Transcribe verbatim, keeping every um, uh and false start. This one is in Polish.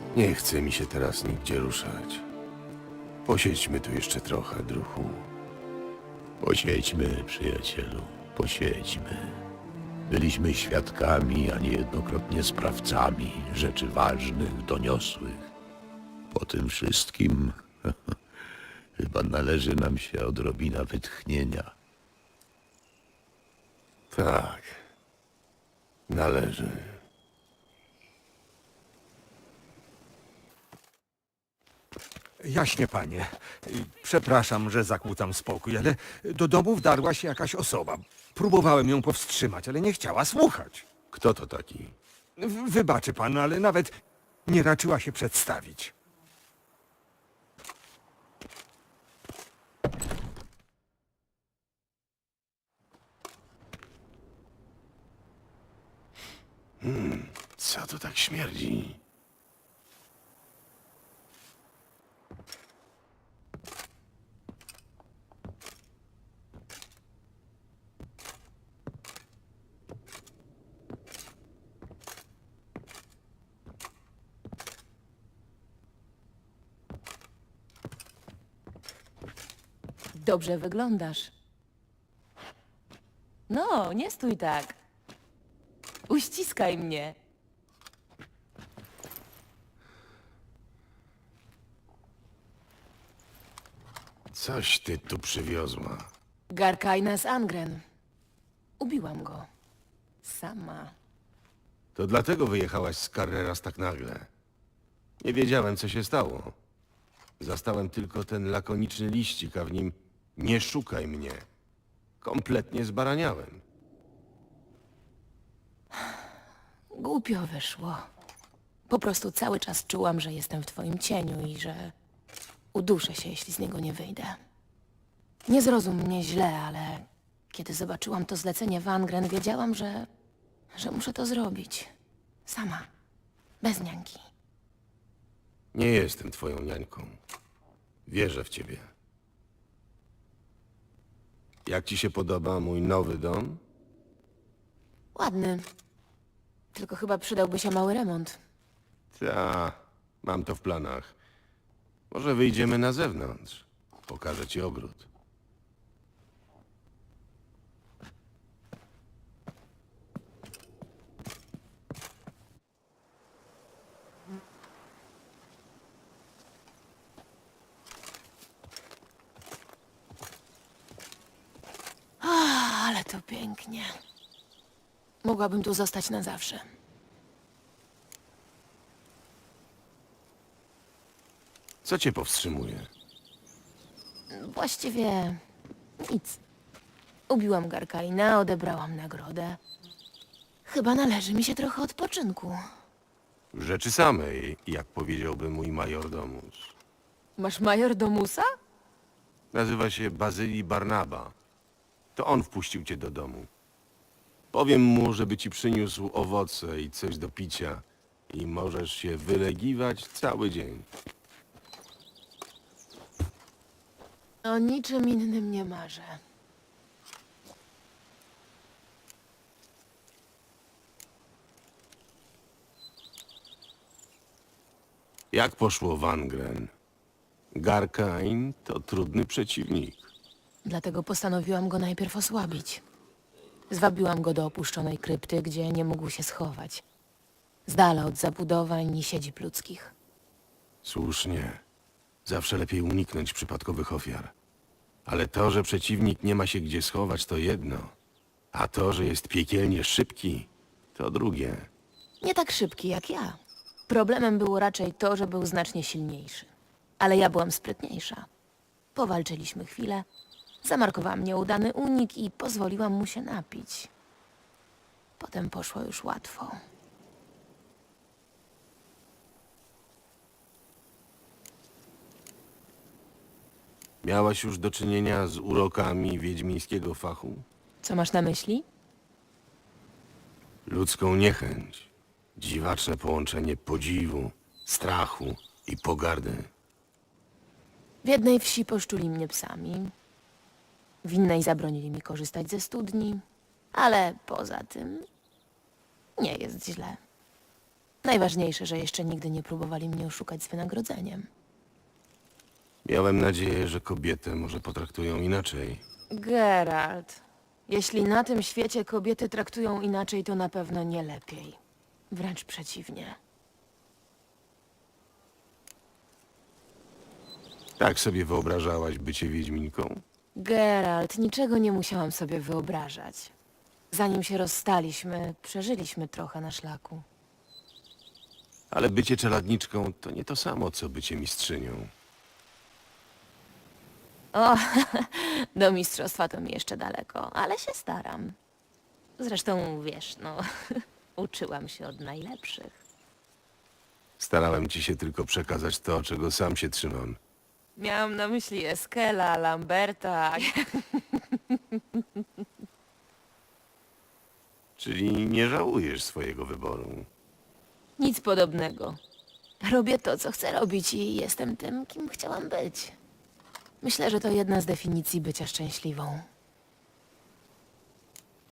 Nie chce mi się teraz nigdzie ruszać. Posiedźmy tu jeszcze trochę, druhu. Posiedźmy, przyjacielu, posiedźmy. Byliśmy świadkami, a niejednokrotnie sprawcami rzeczy ważnych, doniosłych. Po tym wszystkim chyba należy nam się odrobina wytchnienia. Tak. Należy. Jaśnie, panie. Przepraszam, że zakłócam spokój, ale do domu wdarła się jakaś osoba. Próbowałem ją powstrzymać, ale nie chciała słuchać. Kto to taki? W- Wybaczy pan, ale nawet nie raczyła się przedstawić. Co to tak śmierdzi? Dobrze wyglądasz. No, nie stój tak. Uściskaj mnie. Coś ty tu przywiozła. Garkajna z Angren. Ubiłam go. Sama. To dlatego wyjechałaś z Carreras tak nagle. Nie wiedziałem, co się stało. Zastałem tylko ten lakoniczny liścik, a w nim nie szukaj mnie. Kompletnie zbaraniałem. Głupio wyszło. Po prostu cały czas czułam, że jestem w twoim cieniu i że uduszę się, jeśli z niego nie wyjdę. Nie zrozum mnie źle, ale kiedy zobaczyłam to zlecenie w Angren, wiedziałam, że, że muszę to zrobić. Sama. Bez niańki. Nie jestem twoją niańką. Wierzę w ciebie. Jak ci się podoba mój nowy dom? Ładny. Tylko chyba przydałby się mały remont. Ta, mam to w planach. Może wyjdziemy na zewnątrz. Pokażę ci ogród. Ale to pięknie. Mogłabym tu zostać na zawsze. Co cię powstrzymuje? Właściwie nic. Ubiłam Garkaina, odebrałam nagrodę. Chyba należy mi się trochę odpoczynku. W rzeczy samej, jak powiedziałby mój majordomus. Masz majordomusa? Nazywa się Bazylii Barnaba. To on wpuścił cię do domu. Powiem mu, żeby ci przyniósł owoce i coś do picia i możesz się wylegiwać cały dzień. O niczym innym nie marzę. Jak poszło Wangren? Garkain to trudny przeciwnik. Dlatego postanowiłam go najpierw osłabić. Zwabiłam go do opuszczonej krypty, gdzie nie mógł się schować. Z dala od zabudowań i siedzib ludzkich. Słusznie. Zawsze lepiej uniknąć przypadkowych ofiar. Ale to, że przeciwnik nie ma się gdzie schować, to jedno. A to, że jest piekielnie szybki, to drugie. Nie tak szybki jak ja. Problemem było raczej to, że był znacznie silniejszy. Ale ja byłam sprytniejsza. Powalczyliśmy chwilę, zamarkowałam nieudany unik i pozwoliłam mu się napić. Potem poszło już łatwo. Miałaś już do czynienia z urokami wiedźmińskiego fachu? Co masz na myśli? Ludzką niechęć. Dziwaczne połączenie podziwu, strachu i pogardy. W jednej wsi poszczuli mnie psami. W innej zabronili mi korzystać ze studni. Ale poza tym nie jest źle. Najważniejsze, że jeszcze nigdy nie próbowali mnie oszukać z wynagrodzeniem. Miałem nadzieję, że kobietę może potraktują inaczej. Geralt, jeśli na tym świecie kobiety traktują inaczej, to na pewno nie lepiej. Wręcz przeciwnie. Tak sobie wyobrażałaś bycie wiedźminką? Geralt, niczego nie musiałam sobie wyobrażać. Zanim się rozstaliśmy, przeżyliśmy trochę na szlaku. Ale bycie czeladniczką to nie to samo, co bycie mistrzynią. O, do mistrzostwa to mi jeszcze daleko, ale się staram. Zresztą, wiesz, no, uczyłam się od najlepszych. Starałem ci się tylko przekazać to, czego sam się trzymam. Miałam na myśli Eskela, Lamberta. Czyli nie żałujesz swojego wyboru. Nic podobnego. Robię to, co chcę robić i jestem tym, kim chciałam być. Myślę, że to jedna z definicji bycia szczęśliwą.